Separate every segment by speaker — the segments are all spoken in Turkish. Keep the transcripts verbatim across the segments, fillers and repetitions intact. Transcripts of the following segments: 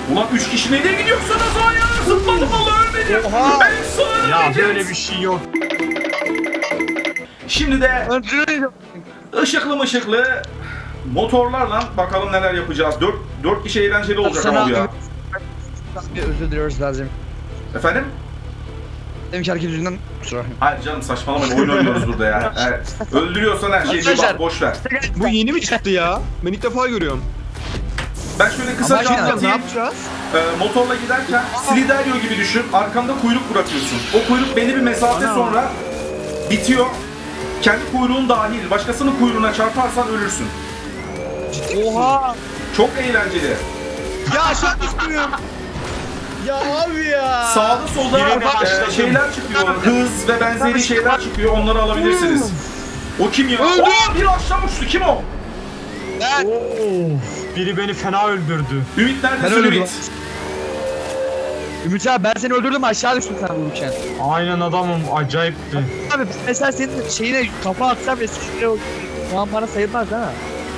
Speaker 1: Ulan üç kişi nereye gidiyorsunuz? Hayır zıpladım valla ölmedim.
Speaker 2: Oha.
Speaker 1: Ben sonra
Speaker 3: Ya
Speaker 1: öleceğiz.
Speaker 3: böyle bir şey yok.
Speaker 1: Şimdi de ışıklı mışıklı motorlarla bakalım neler yapacağız. Dört, dört kişi eğlenceli olacak
Speaker 2: Sana
Speaker 1: ama bu ya.
Speaker 2: bir özür diliyoruz lazım.
Speaker 1: Efendim?
Speaker 2: Deminki hareket yüzünden kusura bakmayın.
Speaker 1: Hayır canım saçmalamayın oyun oynuyoruz burada ya. Evet. Öldürüyorsan her şeyi bir bak
Speaker 2: Arkadaşlar.
Speaker 1: boş ver.
Speaker 4: Bu yeni mi çıktı ya? Ben ilk defa görüyorum.
Speaker 1: Ben şöyle kısaca
Speaker 2: Ama
Speaker 4: Ne
Speaker 1: anlatayım.
Speaker 4: yapacağız?
Speaker 1: Ee, motorla giderken Sliderio gibi düşün. Arkanda kuyruk bırakıyorsun. O kuyruk belli bir mesafe
Speaker 4: Ana.
Speaker 1: sonra bitiyor. Kendi kuyruğun dahil. Başkasının kuyruğuna çarparsan ölürsün.
Speaker 2: Oha.
Speaker 1: Çok eğlenceli.
Speaker 4: Ya aşağı düşmüyorum. Ya abi ya.
Speaker 1: Sağda solda
Speaker 3: Yine
Speaker 1: e,
Speaker 3: başladım.
Speaker 1: şeyler çıkıyor. Hız ve benzeri şeyler çıkıyor. Onları alabilirsiniz. O kim ya?
Speaker 2: Öldü.
Speaker 1: Oo, bir aşağı uçtu. Kim o?
Speaker 2: Ben.
Speaker 3: Of, biri beni fena öldürdü.
Speaker 1: Ümit
Speaker 2: Ben
Speaker 1: neredesin
Speaker 2: öldürdüm.
Speaker 1: Ümit?
Speaker 2: Ümit abi ben seni öldürdüm aşağı düştün sen vururken.
Speaker 3: Aynen adamım, acayipti.
Speaker 2: Abi mesela senin şeyine kafa atsam ve şuraya o puan bana sayılmaz değil mi?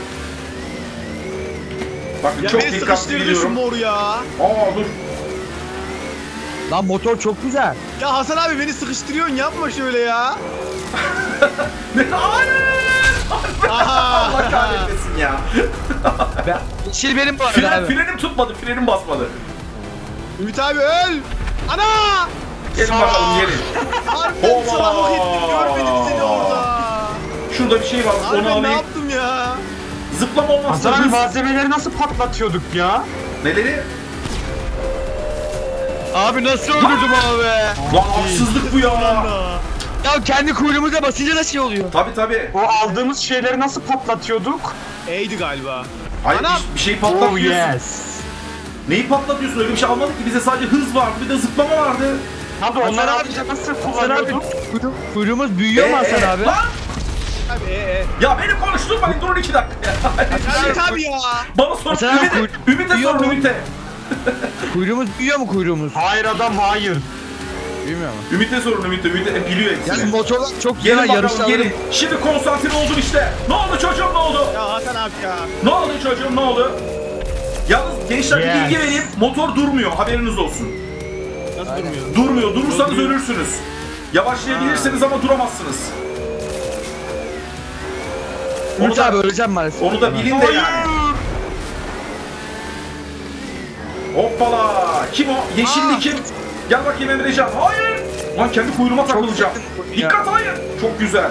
Speaker 1: Bakın
Speaker 4: Ya
Speaker 1: çok
Speaker 4: beni
Speaker 1: dikkatli
Speaker 4: sıkıştırdı şu
Speaker 1: gidiyorum.
Speaker 4: mor ya.
Speaker 1: Aa dur.
Speaker 2: Lan motor çok güzel.
Speaker 4: Ya Hasan abi beni sıkıştırıyorsun yapma şöyle ya.
Speaker 1: Ne? Hayır!
Speaker 4: Aha.
Speaker 1: Allah kahretmesin ya.
Speaker 2: Ben, yeşil benim bu arada
Speaker 1: Fren,
Speaker 2: abi.
Speaker 1: frenim tutmadı, frenim basmadı.
Speaker 4: Ümit abi öl. Ana.
Speaker 1: Gelin
Speaker 3: Sağ-
Speaker 1: bakalım gelin.
Speaker 4: Harbiden
Speaker 1: Oba.
Speaker 4: salak ettim görmedim seni orada.
Speaker 1: Şurada bir şey var, onu
Speaker 4: Harbiden ne
Speaker 1: alayım.
Speaker 4: yaptım ya?
Speaker 1: Zıplama olmazsa
Speaker 3: Hasan abi
Speaker 1: hız.
Speaker 3: malzemeleri nasıl patlatıyorduk ya?
Speaker 1: Neleri?
Speaker 2: Abi nasıl öldürdüm abi?
Speaker 1: Lan haksızlık bu ya.
Speaker 2: Ya kendi kuyruğumuza basınca da şey oluyor.
Speaker 1: Tabi tabi.
Speaker 3: O aldığımız şeyleri nasıl patlatıyorduk?
Speaker 4: E'ydi galiba.
Speaker 1: Hayır
Speaker 4: Anam.
Speaker 1: bir, bir şey
Speaker 3: Oh
Speaker 1: patlatmıyorsun.
Speaker 3: yes.
Speaker 1: Neyi patlatıyorsun? Öyle bir şey almadık ki. Bize sadece hız vardı, bir de zıplama vardı.
Speaker 3: Hadi
Speaker 2: Hasan
Speaker 3: onları
Speaker 2: abi-
Speaker 3: alınca nasıl
Speaker 2: Hasan abi
Speaker 3: kullanıyorduk?
Speaker 2: kuyruğu- kuyruğumuz büyüyor mu Hasan
Speaker 1: Ee,
Speaker 2: abi?
Speaker 1: Lan!
Speaker 4: Abi e e.
Speaker 1: Ya beni konuşturmayın, durun iki dakika.
Speaker 4: Ümit abi ya.
Speaker 1: Bana sor,
Speaker 2: Hasan abi,
Speaker 1: Ümit'e,
Speaker 2: kuy-
Speaker 1: Ümit'e
Speaker 2: duyuyor
Speaker 1: sor,
Speaker 2: mu?
Speaker 1: Ümit'e.
Speaker 2: Kuyruğumuz büyüyor mu kuyruğumuz?
Speaker 3: Hayır adam hayır.
Speaker 2: Büyümüyor mu?
Speaker 1: Ümit'e sorun, Ümit'e. Ümit e, biliyor
Speaker 2: Yani
Speaker 1: hepsini.
Speaker 2: motorlar çok
Speaker 1: Gelin
Speaker 2: güzel
Speaker 1: bakalım,
Speaker 2: yarışlar.
Speaker 1: gelin. Şimdi konsantre oldum işte. Ne oldu çocuğum, ne oldu?
Speaker 4: Ya Hasan abi ya.
Speaker 1: Ne oldu çocuğum, ne oldu? Yalnız gençler bir
Speaker 3: Yes.
Speaker 1: bilgi vereyim. Motor durmuyor, haberiniz olsun.
Speaker 4: Nasıl durmuyor?
Speaker 1: Durmuyor, durursanız
Speaker 4: Durmuyor.
Speaker 1: ölürsünüz. Yavaşlayabilirsiniz ama duramazsınız. Onu
Speaker 2: Ümit
Speaker 1: da,
Speaker 2: abi öleceğim maalesef.
Speaker 1: onu da bilin de yani. Hoppala! Kim o? Yeşilli
Speaker 2: Aa.
Speaker 1: kim? Gel bakayım Emrecan. Hayır! Lan kendi kuyruğuma takılacağım.
Speaker 2: yakın ya.
Speaker 1: Dikkat hayır! Çok güzel.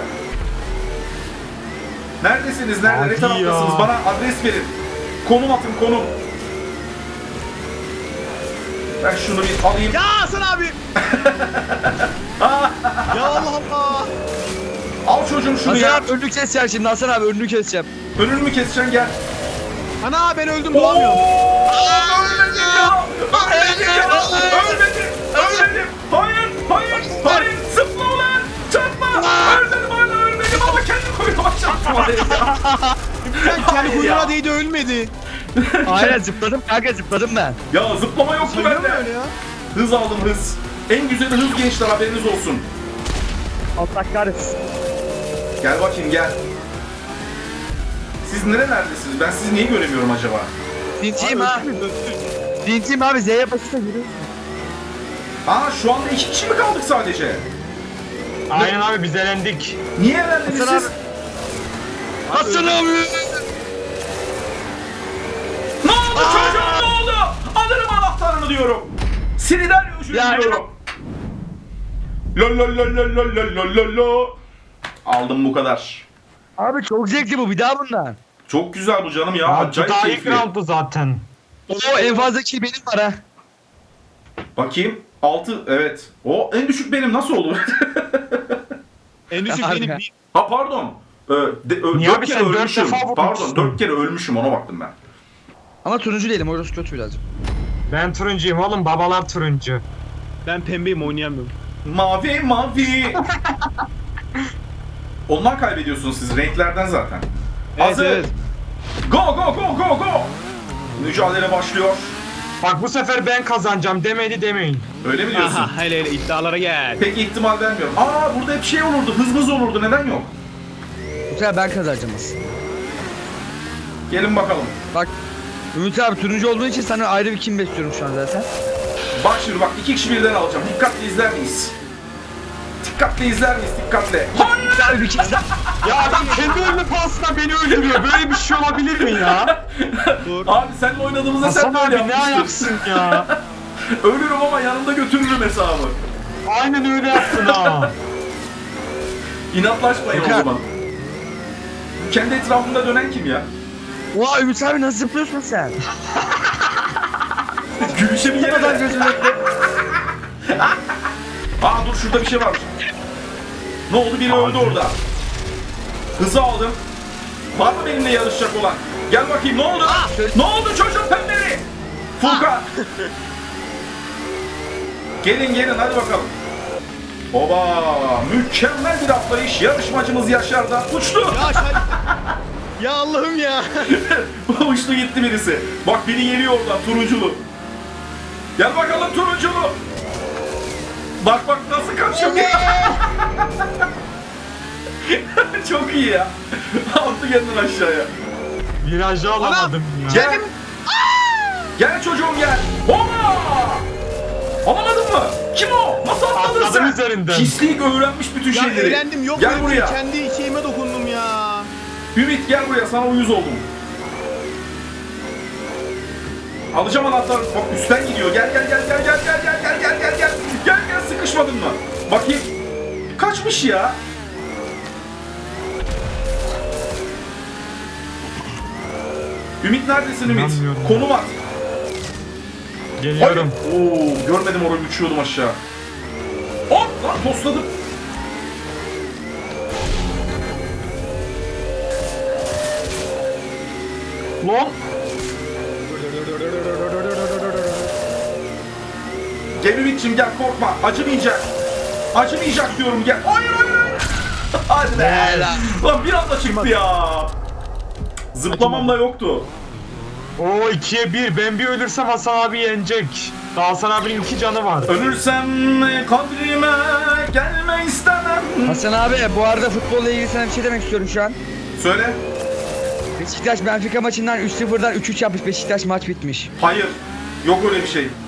Speaker 1: Neredesiniz? Nerede?
Speaker 3: Hadi
Speaker 1: Ne taraftasınız?
Speaker 3: ya.
Speaker 1: Bana adres verin. Konum atın, konum. Ben şunu bir alayım.
Speaker 4: Ya Hasan abi. Ya Allah Allah.
Speaker 1: Al çocuğum şunu
Speaker 2: Hasan
Speaker 1: ya.
Speaker 2: abi önünü keseceğim şimdi Hasan abi önünü keseceğim.
Speaker 1: Önünü mü keseceksin gel.
Speaker 4: Ana ben öldüm
Speaker 1: Oo!
Speaker 4: bulamıyorum.
Speaker 1: Ölmedim ya! Ölmedim ya! Ölmedim! Ölmedim! Hayır! Hayır! Hayır! Zıpla ulan! Çarpma! Ölmedim hala ölmedim ama kendi kuyruğuma çarptım oraya ya.
Speaker 4: Ben kendi
Speaker 1: Hayır
Speaker 4: kuyruğuna
Speaker 1: ya.
Speaker 4: değdi ölmedi.
Speaker 2: Aynen zıpladım kanka zıpladım ben.
Speaker 1: Ya zıplama yoktu
Speaker 4: Sayılır mı
Speaker 1: bende.
Speaker 4: öyle ya?
Speaker 1: Hız aldım hız. En güzeli hız gençler haberiniz olsun.
Speaker 2: Allah kahretsin.
Speaker 1: Gel bakayım gel. Siz nerelerdesiniz? Ben sizi niye göremiyorum acaba?
Speaker 2: Dinciyim ha. Dinciyim abi Z'ye basınca yürü.
Speaker 1: Aa şu anda iki kişi mi kaldık sadece?
Speaker 3: Aynen abi biz elendik.
Speaker 1: Niye elendiniz
Speaker 2: Hasan
Speaker 1: siz?
Speaker 2: Hasan abi.
Speaker 1: Ne oldu çocuğum ne oldu? Alırım anahtarını diyorum. Silider ucunu
Speaker 2: Ya-
Speaker 1: diyorum. Lol lol lol lol lol lol lol lol lol. Aldım bu kadar.
Speaker 2: Abi çok zevkli bu bir daha bundan.
Speaker 1: Çok güzel bu canım ya.
Speaker 3: Ya, bu
Speaker 1: Acayip
Speaker 3: daha ilk
Speaker 1: keyifli.
Speaker 3: rounddu zaten.
Speaker 2: Oo en fazla kill benim var ha.
Speaker 1: Bakayım. altı evet. O en düşük benim nasıl olur?
Speaker 4: En düşük
Speaker 2: Abi
Speaker 4: benim
Speaker 2: ya.
Speaker 4: bir.
Speaker 1: Ha pardon. Ee, de, ö,
Speaker 3: Niye
Speaker 1: dört
Speaker 3: abi
Speaker 1: kere
Speaker 3: sen dört
Speaker 1: ölmüşüm.
Speaker 3: defa vurmuşsun?
Speaker 1: Pardon dört kere ölmüşüm ona baktım ben.
Speaker 2: Ama turuncu değilim orası kötü birazcık.
Speaker 3: Ben turuncuyum oğlum, babalar turuncu.
Speaker 4: Ben pembeyim oynayamıyorum.
Speaker 1: Mavi mavi. Ondan kaybediyorsunuz siz renklerden zaten.
Speaker 4: Evet,
Speaker 1: Hazır.
Speaker 4: evet.
Speaker 1: Go go go go go. Mücadele başlıyor.
Speaker 3: Bak bu sefer ben kazanacağım demedi demeyin.
Speaker 1: Öyle mi diyorsun?
Speaker 4: Aha hele hele iddialara gel.
Speaker 1: Pek ihtimal vermiyorum. Aa burada hep şey olurdu. Hız hız olurdu. Neden yok?
Speaker 2: Bu sefer ben kazanacağım aslında.
Speaker 1: Gelin bakalım.
Speaker 2: Bak Ümit abi turuncu olduğun için sana ayrı bir kim besliyorum şu an zaten.
Speaker 1: Bak şimdi bak iki kişi birden alacağım. Dikkatli izler miyiz? Dikkatli izler miyiz? Dikkatli. Hayır!
Speaker 2: Abi bir kim
Speaker 3: Ya adam kendi önüne pahasına beni öldürüyor. Böyle bir şey olabilir mi ya?
Speaker 1: Abi seninle oynadığımızda sen
Speaker 3: Hasan
Speaker 1: böyle
Speaker 3: abi ne
Speaker 1: yapmıştın.
Speaker 3: ayaksın ya?
Speaker 1: Ölürüm ama yanımda götürürüm hesabı.
Speaker 3: Aynen öyle yaptın ha.
Speaker 1: İnatlaşmayın o
Speaker 2: Furkan.
Speaker 1: zaman. Kendi etrafında dönen kim ya?
Speaker 2: Oha Ümit abi nasıl zıplıyorsun sen?
Speaker 1: Gülüşe bir yere
Speaker 2: Adam
Speaker 1: de.
Speaker 2: gözüme.
Speaker 1: Aa dur şurada bir şey var. Ne oldu? Biri öldü orada. Hızı aldım. Var mı benimle yarışacak olan? Gel bakayım ne oldu? Ne oldu çocuk pembeli? Furkan. Gelin gelin hadi bakalım. Oba mükemmel bir atlayış. Yarışmacımız Yaşar'dan uçtu.
Speaker 4: Ya sen... Ya Allah'ım ya.
Speaker 1: Uçtu gitti birisi. Bak biri geliyor oradan turunculu. Gel bakalım turunculu. Bak bak nasıl kaçıyor. Çok iyi ya. Attı kendini aşağıya.
Speaker 3: Virajı alamadım ya.
Speaker 1: Gel. Gel çocuğum gel. Oba! Alamadın mı? Kim o? Nasıl atladın
Speaker 3: Atladım
Speaker 1: sen?
Speaker 3: üzerinden.
Speaker 1: Pislik öğrenmiş bütün
Speaker 4: Ya
Speaker 1: şeyleri.
Speaker 4: eğlendim yok
Speaker 1: Gel
Speaker 4: böyle bir
Speaker 1: buraya.
Speaker 4: şey. Kendi şeyime dokundum ya.
Speaker 1: Ümit gel buraya sana uyuz oldum. Alacağım anahtarı. Bak üstten gidiyor. Gel gel gel gel gel gel gel gel gel gel gel. Gel gel sıkışmadın mı? Bakayım. Kaçmış ya. Ümit neredesin Ümit?
Speaker 3: İnanmıyorum.
Speaker 1: Konum at.
Speaker 3: Geliyorum.
Speaker 1: Ay! Oo, görmedim orayı uçuyordum aşağı. Hop lan tosladım.
Speaker 3: Lan.
Speaker 1: Gel Ümit'ciğim gel korkma. Acımayacak. Acımayacak diyorum gel. Hayır hayır hayır. Hadi be.
Speaker 2: Helal.
Speaker 1: Lan bir anda çıktı ya. Zıplamam da yoktu.
Speaker 3: Oo ikiye bir. Ben bir ölürsem Hasan abi yenecek. Daha Hasan abinin iki canı var.
Speaker 1: Ölürsem kadrime gelme istemem.
Speaker 2: Hasan abi bu arada futbolla ilgili sana bir şey demek istiyorum şu an.
Speaker 1: Söyle.
Speaker 2: Beşiktaş Benfica maçından üç sıfırdan üç üç yapmış. Beşiktaş maç bitmiş.
Speaker 1: Hayır. Yok öyle bir şey.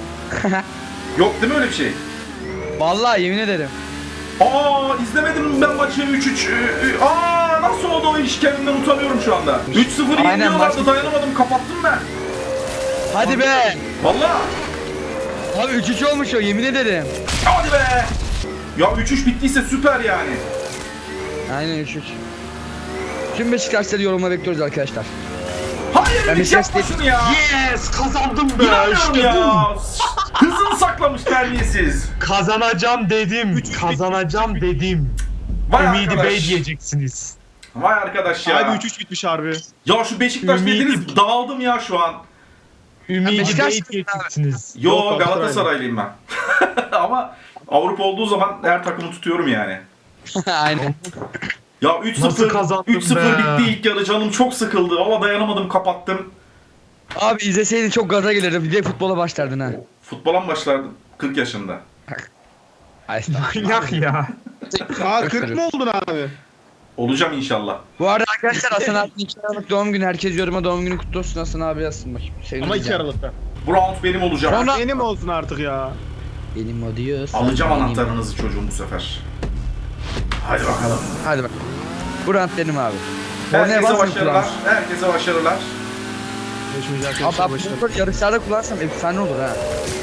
Speaker 1: Yok değil mi öyle bir şey?
Speaker 2: Vallahi yemin ederim.
Speaker 1: Aa izlemedim ben maçı üç üç. Aa nasıl oldu o iş kendimden utanıyorum şu anda. üç sıfır
Speaker 2: Aynen,
Speaker 1: yeniliyorlardı
Speaker 2: maç-
Speaker 1: dayanamadım kapattım ben.
Speaker 2: Hadi be.
Speaker 1: Vallahi.
Speaker 2: Abi üç üç olmuş o yemin ederim.
Speaker 1: Hadi be. Ya üç üç bittiyse süper yani.
Speaker 2: Aynen üç üç. Tüm Beşiktaşları yorumla bekliyoruz arkadaşlar.
Speaker 1: Hayır
Speaker 2: Ben
Speaker 1: Ümit
Speaker 2: Beşiktaş
Speaker 1: yapma şunu ya.
Speaker 3: Yes kazandım be.
Speaker 1: İnanmıyorum
Speaker 3: İşte bu.
Speaker 1: ya. Hızını saklamış terbiyesiz.
Speaker 3: Kazanacağım dedim. Kazanacağım dedim.
Speaker 1: Vay
Speaker 3: Ümidi
Speaker 1: arkadaş.
Speaker 3: Bey diyeceksiniz.
Speaker 1: Vay arkadaş ya.
Speaker 4: Abi üç üç bitmiş harbi.
Speaker 1: Ya şu Beşiktaş
Speaker 3: Ümidi-
Speaker 1: dediniz dağıldım ya şu an.
Speaker 3: Ümidi
Speaker 2: Beşiktaş
Speaker 3: Bey
Speaker 2: mısın
Speaker 3: diyeceksiniz.
Speaker 1: Yo
Speaker 4: Yok,
Speaker 1: Galatasaraylıyım ben. Ama Avrupa olduğu zaman her takımı tutuyorum yani.
Speaker 2: Aynen.
Speaker 1: Ya üç
Speaker 3: Nasıl
Speaker 1: sıfır
Speaker 3: kazandın
Speaker 1: üç sıfır
Speaker 3: be?
Speaker 1: bitti ilk yarı canım çok sıkıldı. Valla dayanamadım kapattım.
Speaker 2: Abi izleseydin çok gaza gelirdim. Bir de futbola başlardın ha.
Speaker 1: Futbola mı başlardım? kırk yaşında.
Speaker 2: Ay,
Speaker 3: Manyak ya.
Speaker 4: Aa kırk mı oldun abi?
Speaker 1: Olacağım inşallah.
Speaker 2: Bu arada arkadaşlar Hasan abinin iki Aralık doğum günü. Herkes yoruma doğum günü kutlu olsun Hasan abi yazsın bakayım. Seviniriz
Speaker 4: Ama iki
Speaker 2: yani.
Speaker 4: Aralık'ta.
Speaker 1: Bu round benim olacak.
Speaker 2: Sonra-
Speaker 4: Benim olsun artık ya.
Speaker 2: Benim o diyorsa.
Speaker 1: Alacağım
Speaker 2: benim.
Speaker 1: anahtarınızı çocuğum bu sefer. Hadi bakalım.
Speaker 2: Hadi bak. Bu rant benim abi. Kornaya
Speaker 1: Herkese
Speaker 2: basmayın
Speaker 1: başarılar.
Speaker 2: kulağım.
Speaker 1: Herkese başarılar.
Speaker 4: Görüşmeyiz
Speaker 2: Abi
Speaker 4: arkadaşlar
Speaker 2: ben
Speaker 4: başlar.
Speaker 2: bu motor yarışlarda kullansam efsane olur ha.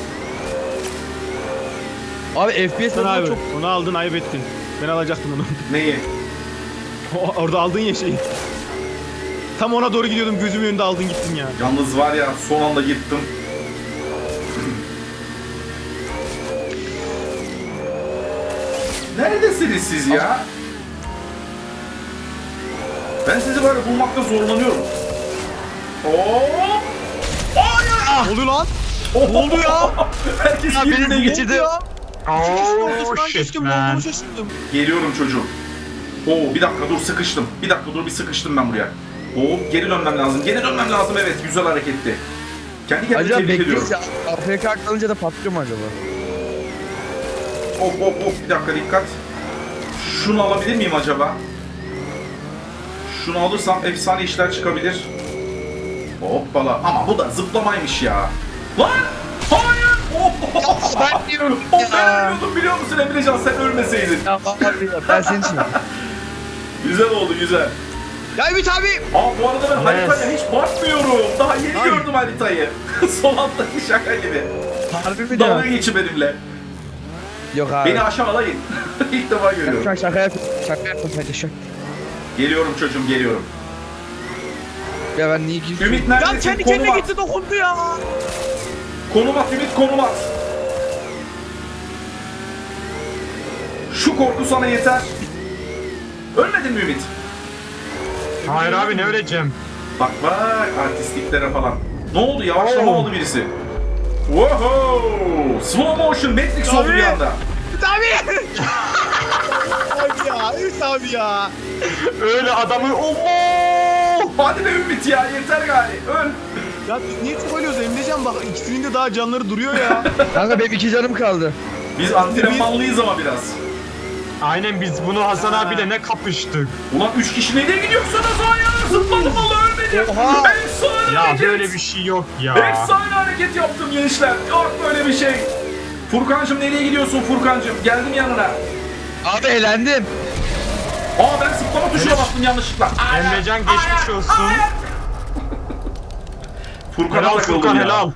Speaker 2: Abi F P S
Speaker 4: Sen abi
Speaker 2: çok...
Speaker 4: onu aldın ayıp ettin. Ben alacaktım onu.
Speaker 1: Neyi?
Speaker 4: O- Orada aldın ya şeyi. Tam ona doğru gidiyordum gözümün önünde aldın gittin ya.
Speaker 1: Yalnız var ya son anda yırttım. Neredesiniz siz ya? Ben sizi böyle bulmakta zorlanıyorum. Oo! Hayır!
Speaker 4: Ne oluyor lan?
Speaker 1: Ne
Speaker 4: oldu ya?
Speaker 1: Herkes
Speaker 2: Ya
Speaker 1: birbirine
Speaker 2: beni
Speaker 1: geçti.
Speaker 2: geçirdi.
Speaker 3: Oh shit
Speaker 4: Geçtim ne
Speaker 3: man.
Speaker 4: olduğumu şaşırdım.
Speaker 1: Geliyorum çocuğum. Oo bir dakika dur sıkıştım. Bir dakika dur bir sıkıştım ben buraya. Oo geri dönmem lazım. Geri dönmem lazım evet güzel hareketti. Kendi kendime
Speaker 2: Acaba
Speaker 1: tebrik ediyorum.
Speaker 2: bekliyoruz ya. A F K kalınca da patlıyor mu acaba?
Speaker 1: Hop hop hop bir dakika dikkat. Şunu alabilir miyim acaba? Şunu alırsam efsane işler çıkabilir. Hoppala. Ama bu da zıplamaymış ya. Lan! Hayır! Oh!
Speaker 2: Ben diyorum
Speaker 1: O
Speaker 2: ya.
Speaker 1: ben ölüyordum biliyor musun Emrecan sen ölmeseydin.
Speaker 2: Ya abi ya, ben senin için.
Speaker 1: Güzel oldu güzel.
Speaker 2: Ya Ümit abi.
Speaker 1: Aa bu arada ben
Speaker 3: Evet.
Speaker 1: haritaya hiç bakmıyorum. Daha yeni
Speaker 2: Ay.
Speaker 1: gördüm haritayı. Son alttaki şaka gibi.
Speaker 2: Harbi mi
Speaker 1: Dalga
Speaker 2: diyor?
Speaker 1: geçi benimle.
Speaker 2: Yok abi.
Speaker 1: Beni aşağılayın. İlk defa görüyorum.
Speaker 2: Şaka şaka yap. Şaka yapma sadece şaka.
Speaker 1: Geliyorum çocuğum geliyorum.
Speaker 2: Ya ben niye gidiyorum?
Speaker 1: Ümit
Speaker 2: Ya
Speaker 1: neredesin?
Speaker 2: kendi
Speaker 1: Konum
Speaker 2: kendine
Speaker 1: at.
Speaker 2: gitti dokundu ya.
Speaker 1: Konum at Ümit konum at. Şu korku sana yeter. Ölmedin mi Ümit?
Speaker 3: Hayır abi ne öleceğim?
Speaker 1: Bak bak artistliklere falan. Ne oldu yavaşlama
Speaker 3: Oo.
Speaker 1: oldu birisi. Wow! Slow motion Matrix oldu bir anda.
Speaker 2: Ümit abi. Abi ya Ümit abi ya.
Speaker 3: Öyle adamı ooo.
Speaker 1: Hadi be Ümit ya yeter gari. Öl.
Speaker 4: Ya biz niye trollüyoruz Emrecan bak ikisinin de daha canları duruyor ya.
Speaker 2: Kanka benim iki canım kaldı.
Speaker 1: Biz antrenmanlıyız ama biraz.
Speaker 3: Aynen biz bunu Hasan abiyle ne kapıştık.
Speaker 1: Ulan üç kişi nereye gidiyorsunuz ya? Zıpladım valla ölmedim.
Speaker 2: Oha.
Speaker 1: Efsane
Speaker 3: Ya
Speaker 1: hareket.
Speaker 3: böyle bir şey yok ya.
Speaker 1: Efsane hareket yaptım gençler. Yok böyle bir şey. Furkancığım nereye gidiyorsun Furkancığım? Geldim yanına.
Speaker 2: Abi eğlendim.
Speaker 1: Aa ben zıplama tuşuna bastım yanlışlıkla. Ay,
Speaker 3: Emrecan
Speaker 1: ay,
Speaker 3: geçmiş
Speaker 1: ay,
Speaker 3: olsun.
Speaker 1: ay. Furkan'a
Speaker 3: Helal
Speaker 1: takıldım
Speaker 3: Furkan
Speaker 1: ya.
Speaker 3: helal.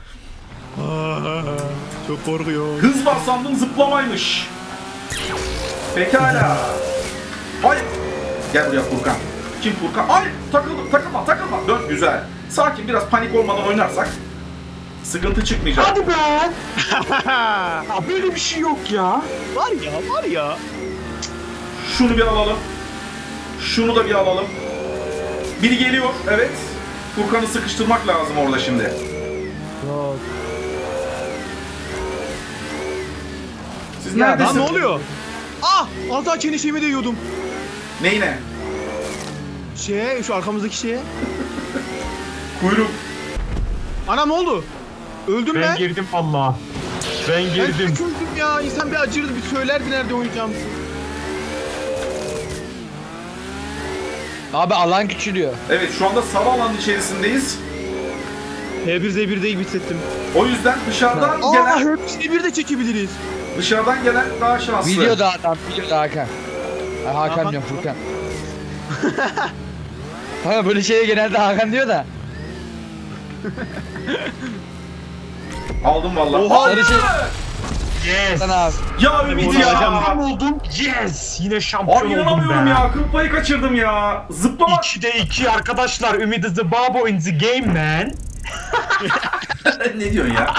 Speaker 4: Çok korkuyor.
Speaker 1: Hız var sandım zıplamaymış. Pekala. Ay. Gel buraya Furkan. Kim Furkan? Ay takıldım takılma takılma. Dön güzel. Sakin biraz panik olmadan oynarsak sıkıntı çıkmayacak.
Speaker 3: Hadi be. Ya böyle bir şey yok ya.
Speaker 4: Var ya var ya.
Speaker 1: Şunu bir alalım. Şunu da bir alalım. Biri geliyor. Evet. Furkan'ı sıkıştırmak lazım orada şimdi.
Speaker 4: Yok.
Speaker 1: Siz
Speaker 2: Ya,
Speaker 1: neredesiniz?
Speaker 4: Lan ne oluyor? Ah! Az daha kendi şeyimi değiyordum.
Speaker 1: Neyine?
Speaker 4: Şeye, şu arkamızdaki şeye.
Speaker 1: Kuyruk.
Speaker 4: Anam ne oldu? Öldüm
Speaker 3: Ben
Speaker 4: ben.
Speaker 3: girdim valla. Ben
Speaker 4: Ben
Speaker 3: girdim.
Speaker 4: çok öldüm ya. İnsan bir acırdı, bir söylerdi nerede oynayacağım.
Speaker 2: Abi alan küçülüyor.
Speaker 1: Evet şu anda sarı alanın içerisindeyiz.
Speaker 4: H bir Z bir değil hissettim.
Speaker 1: O yüzden dışarıdan
Speaker 4: Aa,
Speaker 1: gelen
Speaker 4: hepsini bir de çekebiliriz.
Speaker 1: dışarıdan gelen daha şanslı.
Speaker 2: Videoda adam, videoda Hakan. Ha, Hakan
Speaker 4: Hakan.
Speaker 2: diyorum Furkan. Kanka böyle şeye genelde Hakan diyor da.
Speaker 1: Aldım vallahi.
Speaker 4: Oha!
Speaker 1: Hayır!
Speaker 2: Şey-
Speaker 3: Yes.
Speaker 2: Sana abi.
Speaker 1: Ya Ümit ya.
Speaker 3: Şampiyon oldum. Yes. Yine şampiyon
Speaker 1: Abi
Speaker 3: oldum
Speaker 1: inanamıyorum
Speaker 3: be.
Speaker 1: ya. Kıl payı kaçırdım ya. Zıplama.
Speaker 3: ikide iki arkadaşlar. Ümit is the babo in the game man.
Speaker 1: Ne diyorsun ya?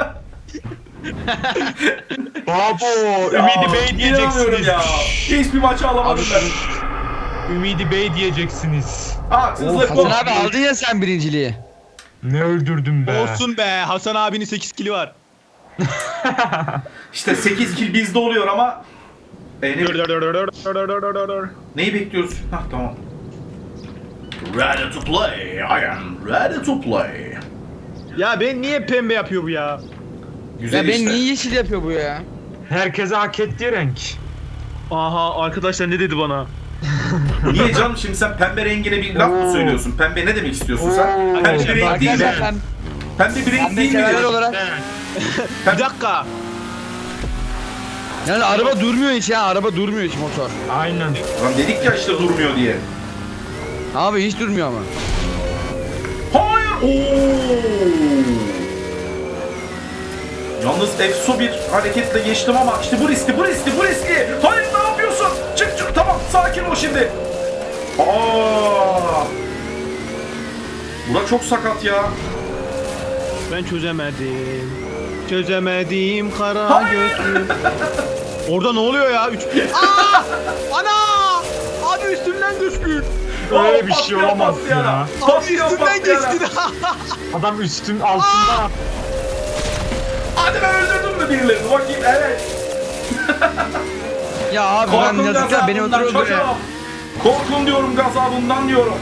Speaker 3: Babo.
Speaker 1: Ya,
Speaker 3: Ümidi Bey
Speaker 1: inanamıyorum
Speaker 3: diyeceksiniz.
Speaker 1: ya. Hiçbir maçı alamadım
Speaker 2: Abi,
Speaker 1: ben.
Speaker 3: Ümidi Bey diyeceksiniz.
Speaker 1: Haksızlık bu.
Speaker 2: Hasan abi aldın ya sen birinciliği.
Speaker 3: Ne öldürdüm be.
Speaker 4: Olsun be. Hasan abinin sekiz kili var.
Speaker 1: İşte sekiz kill bizde oluyor ama. E, ne, neyi bekliyoruz? Hah tamam. Ready to play. I am ready to play.
Speaker 4: Ya ben niye pembe yapıyor bu ya?
Speaker 1: Güzel
Speaker 2: Ya ben
Speaker 1: işte.
Speaker 2: niye yeşil yapıyor bu ya?
Speaker 3: Herkese hak ettiği renk.
Speaker 4: Aha arkadaşlar ne dedi bana?
Speaker 1: Niye canım şimdi sen pembe rengine bir laf mı
Speaker 3: Oo.
Speaker 1: söylüyorsun? Pembe ne demek istiyorsun sen?
Speaker 3: Oo.
Speaker 1: Pembe bir renk değil mi?
Speaker 2: Arkadaşlar ben,
Speaker 1: Pembe bir renk
Speaker 2: ben de
Speaker 1: değil mi?
Speaker 2: severler
Speaker 1: diyorsun?
Speaker 2: olarak.
Speaker 4: Bir dakika.
Speaker 2: Yani araba durmuyor hiç ya, araba durmuyor hiç motor.
Speaker 3: Aynen.
Speaker 1: Lan dedik ya işte durmuyor diye.
Speaker 2: Abi hiç durmuyor ama.
Speaker 1: Hayır. Oo. Yalnız efso bir hareketle geçtim ama işte bu riskli, bu riskli, bu riskli. Hayır ne yapıyorsun? Çık çık tamam sakin ol şimdi. Aa. Bura çok sakat ya.
Speaker 4: Ben çözemedim. Çözemedim kara
Speaker 1: Hayır.
Speaker 4: gözlü. Orada ne oluyor ya? Üç... Aa! Ana! Abi üstümden düştün.
Speaker 3: Öyle bir
Speaker 1: Aa,
Speaker 3: şey
Speaker 1: patlayan
Speaker 3: olamaz
Speaker 1: patlayana.
Speaker 3: ya.
Speaker 4: Abi
Speaker 1: Patlayan
Speaker 4: üstümden
Speaker 1: patlayana.
Speaker 4: geçtin.
Speaker 3: Adam üstün altından.
Speaker 1: Hadi ben öldürdüm mü birilerini? Bakayım evet.
Speaker 2: Ya abi ben
Speaker 1: Korkun
Speaker 2: yazıklar beni
Speaker 1: gazabından
Speaker 2: öldürüyor ya.
Speaker 1: çocuğum. Korkun diyorum gazabından diyorum.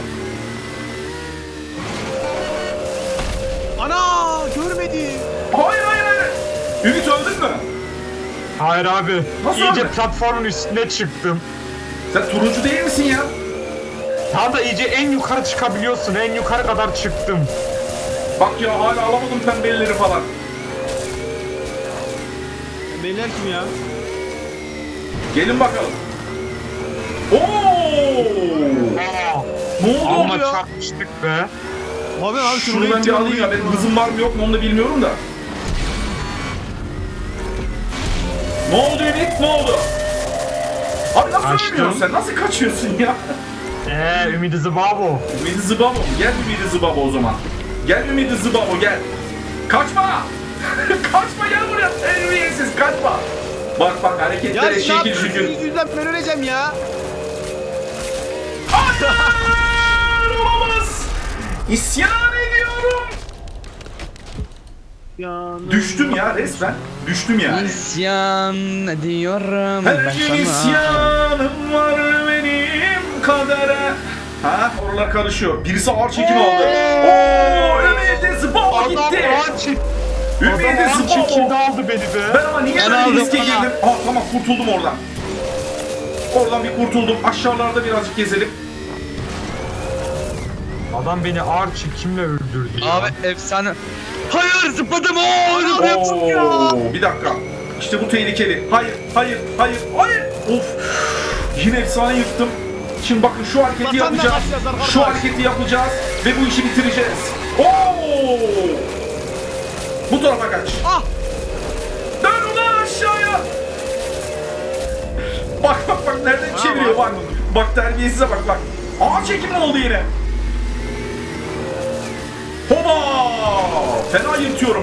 Speaker 4: Ana! Görmedim.
Speaker 1: Hayır hayır hayır. Ümit öldün mü?
Speaker 3: Hayır abi.
Speaker 1: Nasıl
Speaker 3: iyice
Speaker 1: abi?
Speaker 3: platformun üstüne çıktım.
Speaker 1: Sen turuncu değil misin ya?
Speaker 3: Daha da iyice en yukarı çıkabiliyorsun. En yukarı kadar çıktım.
Speaker 1: Bak ya hala alamadım pembelileri falan.
Speaker 4: Beyler kim ya?
Speaker 1: Gelin bakalım. Oo!
Speaker 3: Aa,
Speaker 1: Ne oldu
Speaker 3: Ama
Speaker 1: ya?
Speaker 3: çarpmıştık be.
Speaker 4: Abi abi
Speaker 1: Şunu ben bir alayım ya. Benim hızım var mı yok mu onu da bilmiyorum da. Ne oldu Ümit? Ne oldu? Abi nasıl
Speaker 3: Kaçtım.
Speaker 1: ölmüyorsun sen? Nasıl kaçıyorsun ya?
Speaker 3: Eee Ümidi Zıbabo.
Speaker 1: Ümidi Zıbabo. Gel Ümidi Zıbabo o zaman. Gel Ümidi Zıbabo gel. Kaçma! Kaçma gel buraya. Terbiyesiz kaçma. Bak bak
Speaker 4: Ya
Speaker 1: hareketlere
Speaker 4: ne
Speaker 1: şekil
Speaker 4: yapıyorsun?
Speaker 1: şükür.
Speaker 4: Yüzden ben öleceğim ya.
Speaker 1: Hayır! Olamaz! İsyan ediyorum.
Speaker 4: Ya,
Speaker 1: Düştüm ya resmen. Düştüm yani.
Speaker 2: İsyan ediyorum
Speaker 1: Her
Speaker 2: ben
Speaker 1: gün
Speaker 2: sana.
Speaker 1: isyanım var benim kadere. Ha oralar karışıyor. Birisi ağır çekim aldı. Oo Ümidi Zıbabo
Speaker 3: Adam
Speaker 1: gitti.
Speaker 3: ağır çek. Adam
Speaker 1: Ümidi
Speaker 3: ağır çekimde
Speaker 1: Zıbabo.
Speaker 3: aldı beni be.
Speaker 1: Ben ama niye
Speaker 2: Ben
Speaker 1: böyle
Speaker 2: aldım,
Speaker 1: riske
Speaker 2: ben
Speaker 1: girdim? Aa tamam kurtuldum oradan. Oradan bir kurtuldum. Aşağılarda birazcık gezelim.
Speaker 3: Adam beni ağır çekimle öldürdü ya.
Speaker 2: Abi efsane. Hayır zıpladım ooo zıpladım ya.
Speaker 1: Oo, bir dakika. İşte bu tehlikeli. Hayır, hayır, hayır, hayır. Of. Yine efsane yıktım. Şimdi bakın şu hareketi
Speaker 4: Vatanla
Speaker 1: yapacağız.
Speaker 4: başlayacağız arkadaşlar.
Speaker 1: Şu hareketi yapacağız ve bu işi bitireceğiz. Oo! Bu tarafa kaç.
Speaker 4: Ah!
Speaker 1: Dön ulan aşağıya. Bak bak bak nereden
Speaker 4: Ha,
Speaker 1: çeviriyor bak.
Speaker 4: bak.
Speaker 1: Bak terbiyesize bak bak. Ağır çekim oldu yine. Hoba! Fena yırtıyorum.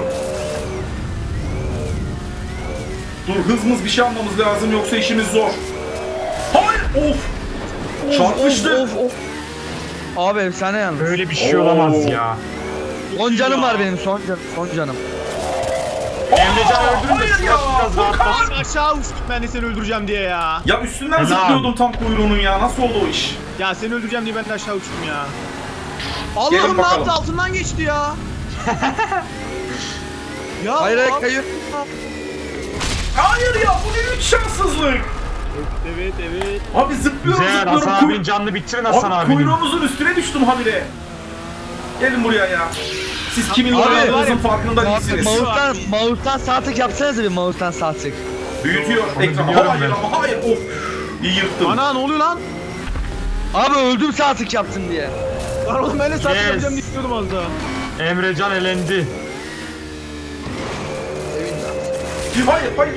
Speaker 1: Dur hızımız bir şey almamız lazım yoksa işimiz zor. Hayır! Of! Çarpıştı.
Speaker 2: Of, of, of. Abi efsane yalnız.
Speaker 3: Böyle bir şey
Speaker 1: Oo.
Speaker 3: olamaz ya.
Speaker 2: Son canım var benim son canım. Son canım.
Speaker 3: Emrecan
Speaker 1: Aa,
Speaker 3: öldürün de
Speaker 1: hayır
Speaker 3: biraz
Speaker 1: ya!
Speaker 3: rahatlasın.
Speaker 1: Furkan!
Speaker 4: Abi aşağı uçtum ben de seni öldüreceğim diye ya.
Speaker 1: Ya üstünden
Speaker 3: Helal.
Speaker 1: zıplıyordum tam kuyruğunun ya. Nasıl oldu o iş?
Speaker 4: Ya seni öldüreceğim diye ben de aşağı uçtum ya.
Speaker 1: Gelin
Speaker 4: Allah'ım ne
Speaker 1: bakalım.
Speaker 4: yaptı altından geçti ya. Ya
Speaker 2: Hayır hayır
Speaker 4: abi-
Speaker 2: kayıyor.
Speaker 1: Hayır ya bu ne üç şanssızlık.
Speaker 4: Evet evet.
Speaker 1: Abi zıplıyorum
Speaker 3: Güzel
Speaker 1: zıplıyorum.
Speaker 3: Hasan
Speaker 1: kuy-
Speaker 3: abinin canını bitirin Hasan
Speaker 1: Abi
Speaker 3: abinin.
Speaker 1: kuyruğunuzun üstüne düştüm habire. Gelin buraya ya. Siz kimin
Speaker 2: Abi,
Speaker 1: oynadığınızın
Speaker 4: var ya,
Speaker 1: farkında değilsiniz.
Speaker 2: Mouse'dan, mouse'dan sağ tık yapsanıza bir mouse'dan sağ tık.
Speaker 1: Büyütüyor
Speaker 3: Onu
Speaker 1: ekranı.
Speaker 3: biliyorum
Speaker 1: Hayır
Speaker 3: ben.
Speaker 1: ama hayır. Of. İyi yırttım.
Speaker 4: Ana ne oluyor lan?
Speaker 2: Abi öldüm sağ tık yaptım diye.
Speaker 4: Lan oğlum ben de saat
Speaker 3: Yes.
Speaker 4: yapacağım diye istiyordum az daha.
Speaker 3: Emrecan elendi.
Speaker 1: Hayır hayır.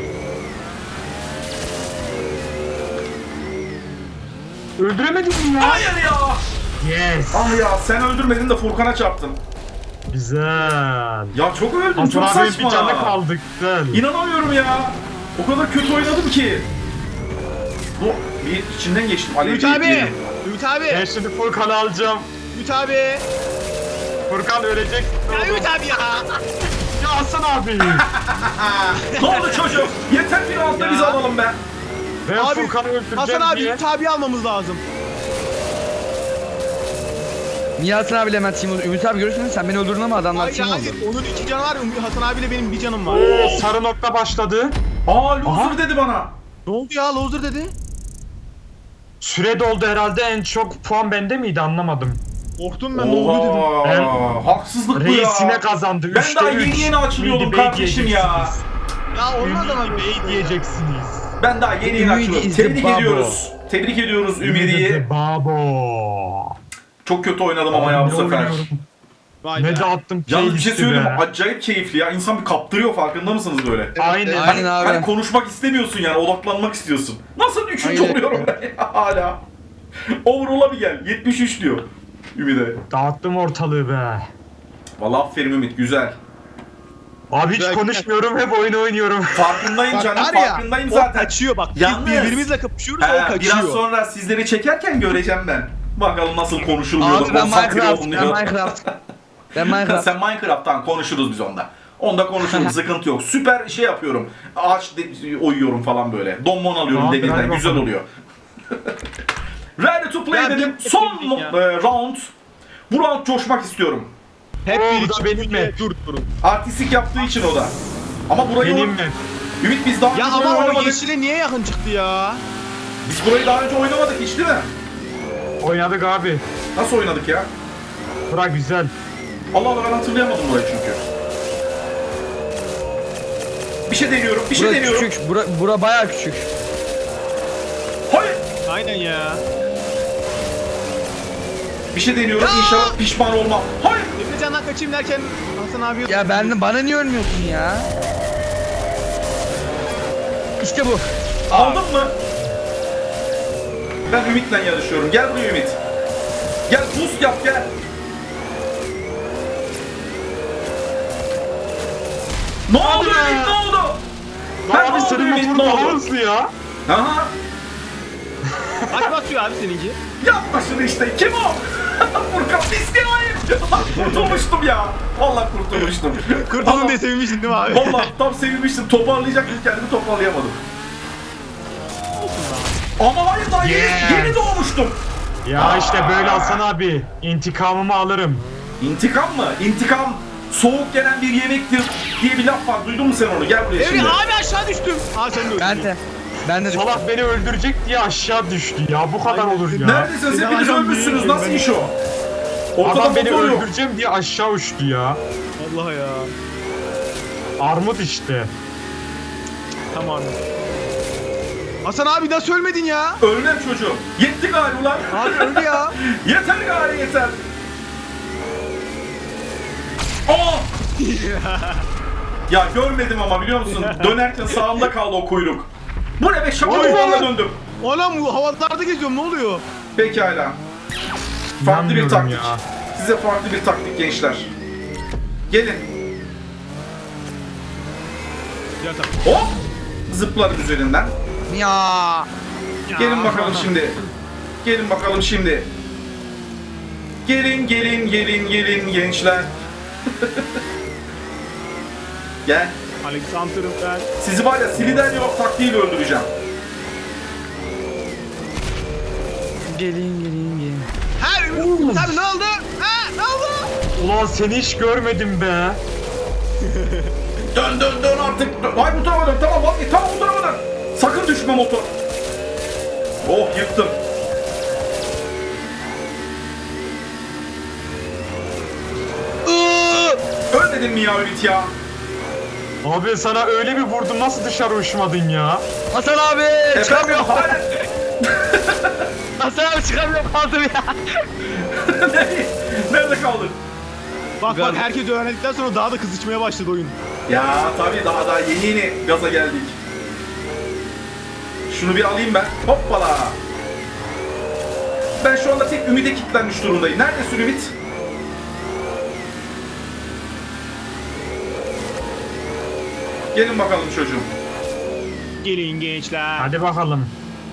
Speaker 3: Öldüremedin mi ya?
Speaker 1: Hayır ya.
Speaker 3: Yes.
Speaker 1: Ah ya sen öldürmedin de Furkan'a çarptın.
Speaker 3: Güzel.
Speaker 1: Ya çok öldüm
Speaker 3: Hasan
Speaker 1: çok
Speaker 3: abinin
Speaker 1: saçma.
Speaker 3: bir canı kaldı. Güzel.
Speaker 1: İnanamıyorum ya. O kadar kötü oynadım ki. Bu bir içinden geçtim. Alev
Speaker 4: Ümit
Speaker 1: değil,
Speaker 4: abi.
Speaker 1: değil.
Speaker 4: Ümit abi.
Speaker 3: Ben şimdi Furkan'ı alacağım.
Speaker 4: Ümit abi.
Speaker 3: Furkan ölecek.
Speaker 4: Ya Ümit abi ya.
Speaker 3: Ya Hasan abi.
Speaker 1: Ne oldu çocuk? Yeter bir altta
Speaker 4: Ya.
Speaker 1: bizi alalım be.
Speaker 3: Ben
Speaker 4: Abi,
Speaker 3: Furkan'ı öldüreceğim
Speaker 4: Hasan abi
Speaker 3: diye.
Speaker 4: Ümit abi almamız lazım.
Speaker 2: Niye Hasan abiyle hemen team oldu? Ümit abi görürsün sen beni öldürdün ama adamlar
Speaker 4: Hayır
Speaker 2: team oldu.
Speaker 4: hayır. Onun iki canı var. Ümit- Hasan abiyle benim bir canım var.
Speaker 3: Oo, sarı nokta başladı.
Speaker 1: Aa loser
Speaker 3: Aha.
Speaker 1: dedi bana.
Speaker 4: Ne oldu ya? Loser dedi.
Speaker 3: Süre doldu herhalde, en çok puan bende miydi anlamadım.
Speaker 4: Korktum ben ne oldu dedim.
Speaker 1: Oha,
Speaker 3: Ben-
Speaker 1: haksızlık bu
Speaker 3: Reisine
Speaker 1: ya.
Speaker 3: kazandı.
Speaker 1: Ben
Speaker 3: Üçte
Speaker 1: daha
Speaker 3: üç.
Speaker 1: yeni yeni açılıyordum
Speaker 3: Ümidi Bey
Speaker 1: kardeşim ya.
Speaker 3: diyeceksiniz.
Speaker 4: Ya olmaz ama
Speaker 3: Ümidi Bey diyeceksiniz.
Speaker 1: Ben daha yeni yeni
Speaker 2: Ümidi
Speaker 1: açılıyorum.
Speaker 2: is the
Speaker 1: Tebrik
Speaker 2: babo.
Speaker 1: ediyoruz. Tebrik ediyoruz Ümidi'yi.
Speaker 3: Babo.
Speaker 1: Çok kötü oynadım ama ya bu
Speaker 3: Ne
Speaker 1: sefer.
Speaker 3: oynuyorum?
Speaker 4: Vay
Speaker 3: Ne
Speaker 4: be.
Speaker 3: dağıttım
Speaker 1: Yalnız bir şey
Speaker 3: playlisti
Speaker 1: söyleyeyim
Speaker 3: be.
Speaker 1: mi? Acayip keyifli ya. İnsan bir kaptırıyor, farkında mısınız böyle?
Speaker 3: Aynen.
Speaker 2: Aynen abi.
Speaker 1: Hani konuşmak istemiyorsun yani, odaklanmak istiyorsun. Nasıl üçüncü
Speaker 2: Aynen.
Speaker 1: oluyorum ben ya hala? Overall'a bir gel. yetmiş üç diyor Ümit'e.
Speaker 3: Dağıttım ortalığı be.
Speaker 1: Vallahi aferin Ümit, güzel.
Speaker 3: Abi hiç
Speaker 4: Güzel,
Speaker 3: konuşmuyorum, hep oyun oynuyorum.
Speaker 1: Farkındayım
Speaker 4: Bak
Speaker 1: canım,
Speaker 4: var ya,
Speaker 1: farkındayım
Speaker 4: o
Speaker 1: zaten.
Speaker 4: kaçıyor bak.
Speaker 1: Yalnız-
Speaker 4: Birbirimizle kapışıyoruz
Speaker 1: He,
Speaker 4: o kaçıyor.
Speaker 1: biraz sonra sizleri çekerken göreceğim ben. Bakalım nasıl konuşuluyor da
Speaker 2: Abi ben
Speaker 1: konsantre
Speaker 2: Minecraft, ben
Speaker 1: olunuyor.
Speaker 2: Minecraft. Ben Minecraft.
Speaker 1: Sen Minecraft'tan konuşuruz biz onda. Onda konuşuruz, sıkıntı yok. Süper şey yapıyorum. Ağaç de- oyuyorum falan böyle. Donmon alıyorum
Speaker 3: Abi,
Speaker 1: demirden,
Speaker 3: hadi
Speaker 1: güzel
Speaker 3: bakalım.
Speaker 1: oluyor. Ready to play
Speaker 4: Ya,
Speaker 1: dedim.
Speaker 4: bir-
Speaker 1: Son
Speaker 4: bir- ya.
Speaker 1: e, round. Bu round coşmak istiyorum.
Speaker 4: Hep
Speaker 3: Oo,
Speaker 4: bir
Speaker 3: bu da benim mi?
Speaker 4: Dur durun.
Speaker 1: Artistik yaptığı için o da. Ama burayı
Speaker 3: Benim mi?
Speaker 1: Ümit biz daha önce
Speaker 4: Ya
Speaker 1: burayı
Speaker 4: ama o
Speaker 1: oynamadık.
Speaker 4: yeşile niye yakın çıktı ya?
Speaker 1: Biz burayı daha önce oynamadık hiç değil mi?
Speaker 3: Oynadık abi.
Speaker 1: Nasıl oynadık ya?
Speaker 3: Bura güzel.
Speaker 1: Allah Allah ben hatırlayamadım burayı çünkü. Bir şey deniyorum, bir şey
Speaker 2: Bura
Speaker 1: deniyorum.
Speaker 2: küçük. Bura, bura bayağı küçük.
Speaker 1: Hayır.
Speaker 4: Aynen ya.
Speaker 1: Bir şey deniyorum, inşallah pişman olmam. Hayır.
Speaker 4: Emrecan'dan kaçayım derken Hasan abi...
Speaker 2: Ya ben de bana niye ölmüyorsun ya? İşte bu.
Speaker 1: Aldın mı? Ben Ümit'le yarışıyorum. Gel buraya Ümit. Gel boost yap gel. Ne oldu
Speaker 3: be.
Speaker 1: Ümit ne oldu?
Speaker 3: Lan
Speaker 1: Ha, ne
Speaker 3: abi
Speaker 1: oldu
Speaker 3: senin
Speaker 1: Ümit,
Speaker 3: motorun
Speaker 1: ne
Speaker 3: daha
Speaker 1: oldu?
Speaker 3: hızlı ya.
Speaker 1: Aha.
Speaker 4: Kaç basıyor abi seninki?
Speaker 1: Yapma şunu işte. Kim o? Furkan Fiske hayır. Kurtulmuştum ya. Vallahi kurtulmuştum.
Speaker 4: Kurtuldum diye sevinmiştin değil mi abi?
Speaker 1: Vallahi tam sevinmiştim. Toparlayacaktım kendimi toparlayamadım. Ama hayır daha yeni,
Speaker 3: Yes.
Speaker 1: yeni doğmuştum.
Speaker 3: Ya işte böyle Hasan abi. İntikamımı alırım.
Speaker 1: İntikam mı? İntikam soğuk gelen bir yemektir diye bir laf var. Duydun mu sen onu? Gel buraya
Speaker 4: Emre
Speaker 1: şimdi.
Speaker 4: abi aşağı düştüm. Aa sen de öldün.
Speaker 2: Ben de. Ben de
Speaker 3: Salak beni öldürecek diye aşağı düştü ya. Bu kadar
Speaker 4: Aynen.
Speaker 3: olur ya.
Speaker 1: Neredesiniz?
Speaker 4: Seni
Speaker 1: Hepiniz
Speaker 4: alacağım
Speaker 1: ölmüşsünüz.
Speaker 4: diye
Speaker 1: Nasıl
Speaker 4: ben-
Speaker 1: iş o? Ortada
Speaker 3: Adam beni
Speaker 1: motor yok.
Speaker 3: öldüreceğim diye aşağı uçtu ya.
Speaker 4: Allah ya.
Speaker 3: Armut işte.
Speaker 4: Tamam. Hasan abi nasıl ölmedin ya?
Speaker 1: Ölmem çocuğum. Yetti gari ulan.
Speaker 4: Abi öldü ya.
Speaker 1: Yeter gari yeter. Aa! Ya görmedim ama biliyor musun? Dönerken sağımda kaldı o kuyruk. Bu ne be? Şaka
Speaker 3: Oy.
Speaker 1: yuvarla döndüm.
Speaker 4: Anam bu havalarda geziyorum ne oluyor?
Speaker 1: Pekala. Farklı bir
Speaker 3: İnanmıyorum
Speaker 1: taktik.
Speaker 3: ya.
Speaker 1: Size farklı bir taktik gençler. Gelin.
Speaker 4: Ya tamam.
Speaker 1: Hop! Zıplarım üzerinden.
Speaker 2: Ya.
Speaker 1: Gelin bakalım şimdi. Gelin bakalım şimdi. Gelin gelin gelin gelin gençler. Gel.
Speaker 4: Alexander'ım ben.
Speaker 1: Sizi var ya siliden yok taktiğiyle öldüreceğim.
Speaker 2: Gelin gelin gelin.
Speaker 4: Ha Ümit abi ne oldu? Ha ne oldu?
Speaker 3: Ulan seni hiç görmedim be.
Speaker 1: Dön dön dön artık. Ay bu tarafa dön. Tamam bak tamam bu tarafa dön. Sakın düşme motor. Oh yıktım.
Speaker 2: Iıı!
Speaker 1: Ölmedin mi ya Ümit ya?
Speaker 3: Abi sana öyle bir vurdum nasıl dışarı uçmadın ya?
Speaker 2: Hasan abi
Speaker 1: Efendim
Speaker 2: çıkamıyorum.
Speaker 1: hayır.
Speaker 2: Hasan abi çıkamıyorum kaldım ya.
Speaker 1: Nerede kaldın?
Speaker 4: Bak bak
Speaker 2: Galiba.
Speaker 4: herkes öğrendikten sonra daha da kızışmaya başladı oyun.
Speaker 1: Ya tabii daha daha yeni yeni gaza geldik. Şunu bir alayım ben. Hoppala. Ben şu anda tek Ümit'e kilitlenmiş durumdayım. Neredesin Ümit? Gelin bakalım çocuğum.
Speaker 4: Gelin gençler.
Speaker 3: Hadi bakalım.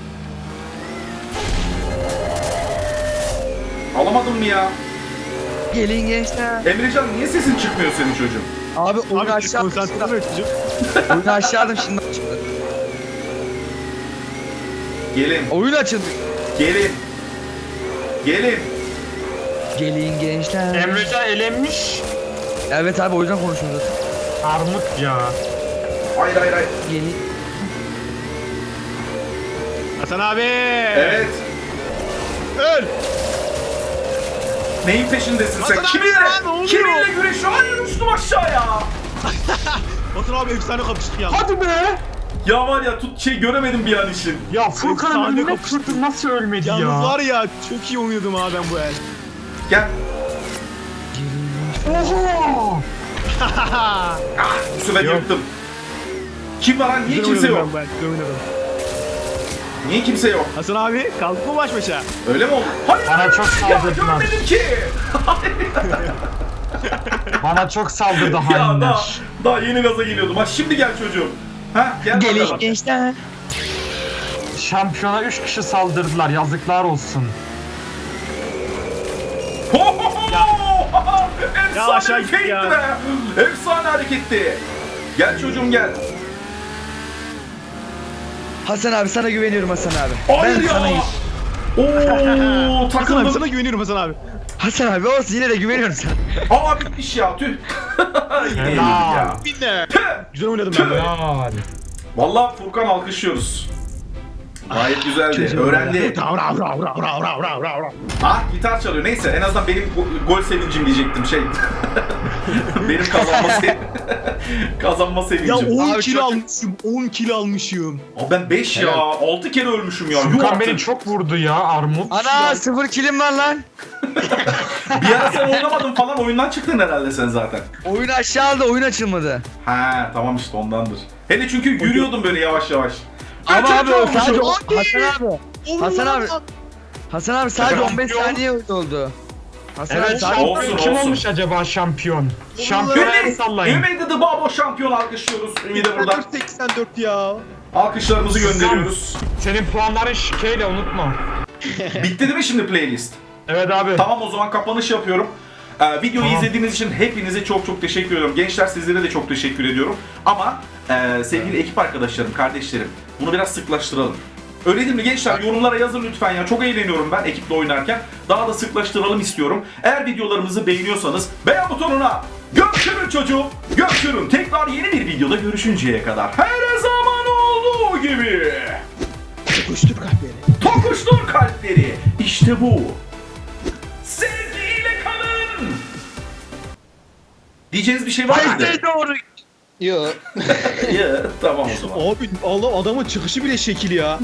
Speaker 1: Alamadın mı ya?
Speaker 2: Gelin gençler.
Speaker 1: Emrecan niye sesin çıkmıyor senin çocuğum?
Speaker 2: Abi oyunu
Speaker 4: Abi
Speaker 2: aşağı
Speaker 4: konsantre olmuyor çocuk.
Speaker 2: Oyunu aşağı aldım şimdi açıldı.
Speaker 1: Gelin,
Speaker 2: Oyun açıldı.
Speaker 1: gelin. Gelin.
Speaker 2: Gelin gençler.
Speaker 3: Emrecan elenmiş.
Speaker 2: Evet abi o yüzden konuşuyoruz.
Speaker 3: Armut ya.
Speaker 1: Hayır hayır hayır.
Speaker 2: Gelin.
Speaker 4: Hasan abi.
Speaker 1: Evet.
Speaker 4: Öl.
Speaker 1: Neyin peşindesin sen?
Speaker 4: Hasan abi,
Speaker 1: Kiminle?
Speaker 4: ya, ne oluyor?
Speaker 1: Kiminle güreşiyor? Hayır uçtum aşağıya.
Speaker 4: Hasan abi efsane kapıştık ya.
Speaker 3: Hadi be.
Speaker 1: Ya var ya tut şey göremedim bir an için.
Speaker 3: Ya Furkan'ın
Speaker 4: Efsane
Speaker 3: önüne
Speaker 4: kapıştı.
Speaker 3: kırdı nasıl ölmedi
Speaker 4: Yalnız
Speaker 3: ya?
Speaker 4: var ya çok iyi oynadım abi ben bu el.
Speaker 1: Gel.
Speaker 3: Oho.
Speaker 1: Ah, bu sefer
Speaker 3: Yok.
Speaker 1: yırttım. Kim var lan? Niye
Speaker 4: Güzel
Speaker 1: kimse
Speaker 4: oynadım
Speaker 1: yok?
Speaker 4: ben, ben, güzel oynadım.
Speaker 1: Niye kimse yok?
Speaker 4: Hasan abi kaldık mı baş başa?
Speaker 1: Öyle mi oldu? Hayır.
Speaker 3: Bana çok
Speaker 1: Ya
Speaker 3: saldırdılar.
Speaker 1: görmedim ki.
Speaker 3: Bana çok saldırdı
Speaker 1: ya daha,
Speaker 3: hainler.
Speaker 1: daha yeni gaza geliyordum. Ha şimdi gel çocuğum. Ha gel
Speaker 2: Gelin
Speaker 1: bakalım.
Speaker 2: gençler.
Speaker 3: Şampiyona üç kişi saldırdılar yazıklar olsun.
Speaker 1: Ho, ho, ho! Efsane
Speaker 4: aşağı git
Speaker 1: fake'ti
Speaker 4: ya.
Speaker 1: be. Efsane hareketti. Gel çocuğum gel.
Speaker 2: Hasan abi sana güveniyorum Hasan abi.
Speaker 1: Hayır
Speaker 2: ben
Speaker 1: ya.
Speaker 2: sana
Speaker 1: Oo
Speaker 4: Hasan abi
Speaker 1: takıldım.
Speaker 4: sana güveniyorum Hasan abi.
Speaker 2: Hasan abi olsun yine de güveniyorum sana.
Speaker 1: Aa bitmiş ya tüh. Yine yenildik ya.
Speaker 4: Binle.
Speaker 1: Tüh.
Speaker 4: Güzel oynadım ben. ya.
Speaker 3: Helal.
Speaker 1: Vallahi Furkan alkışlıyoruz. Gayet güzeldi. Öğrendi. Ah gitar çalıyor. Neyse en azından benim go- gol sevincim diyecektim şey. benim kazanma sevincim. kazanma
Speaker 4: Ya
Speaker 1: sevincim.
Speaker 4: on
Speaker 2: Abi
Speaker 4: kill
Speaker 2: çok-
Speaker 4: almışım. on kill almışım.
Speaker 1: Abi ben beş ya. altı kere ölmüşüm ya. Yuh
Speaker 3: Furkan beni
Speaker 1: artık.
Speaker 3: çok vurdu ya Armut.
Speaker 2: Ana sıfır kilim var lan.
Speaker 1: Bir ara sen oynamadın falan oyundan çıktın herhalde sen zaten.
Speaker 2: Oyun aşağı aldı, oyun açılmadı.
Speaker 1: Ha tamam işte ondandır. Hele çünkü yürüyordum böyle yavaş yavaş.
Speaker 2: Ama
Speaker 1: Üçüncü
Speaker 2: abi o
Speaker 1: olmuşum.
Speaker 2: sadece o-
Speaker 4: Abi!
Speaker 2: Hasan abi. Hasan abi. Hasan abi sadece
Speaker 3: Şampiyon.
Speaker 2: on beş saniye oldu. Hasan
Speaker 3: Evet
Speaker 2: abi sadece
Speaker 1: Olsun,
Speaker 3: şampiyon kim
Speaker 1: olsun.
Speaker 3: olmuş acaba şampiyon? Şampiyon el
Speaker 1: Ümit,
Speaker 3: sallayın.
Speaker 1: Ümit The Babo şampiyon alkışlıyoruz. Ümit'e buradan
Speaker 4: seksen dört ya.
Speaker 1: alkışlarımızı gönderiyoruz.
Speaker 3: Senin puanların şikeyle unutma.
Speaker 1: Bitti değil mi şimdi playlist?
Speaker 3: Evet abi.
Speaker 1: Tamam o zaman kapanış yapıyorum. Ee, videoyu
Speaker 3: Tamam.
Speaker 1: izlediğiniz için hepinize çok çok teşekkür ediyorum. Gençler sizlere de çok teşekkür ediyorum. Ama e, sevgili ekip arkadaşlarım, kardeşlerim bunu biraz sıklaştıralım. Öyle değil mi gençler? Yorumlara yazın lütfen ya. Çok eğleniyorum ben ekiple oynarken. Daha da sıklaştıralım istiyorum. Eğer videolarımızı beğeniyorsanız beğen butonuna gömçürün çocuğum. Gömçürün. Tekrar yeni bir videoda görüşünceye kadar. Her zaman olduğu gibi.
Speaker 4: Koştur kahveni.
Speaker 1: Tokuştur kalpleri. İşte bu. Sevgiyle kalın. Diyeceğiniz bir şey var mıydı?
Speaker 2: Haydi doğru. Yok.
Speaker 1: Ya, tamam o zaman.
Speaker 4: Abi Allah adamın çıkışı bile şekil ya.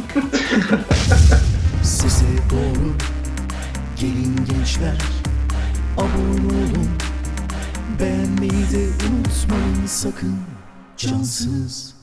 Speaker 5: Size doğru gelin gençler, abone olun, beğenmeyi de unutmayın sakın, cansız.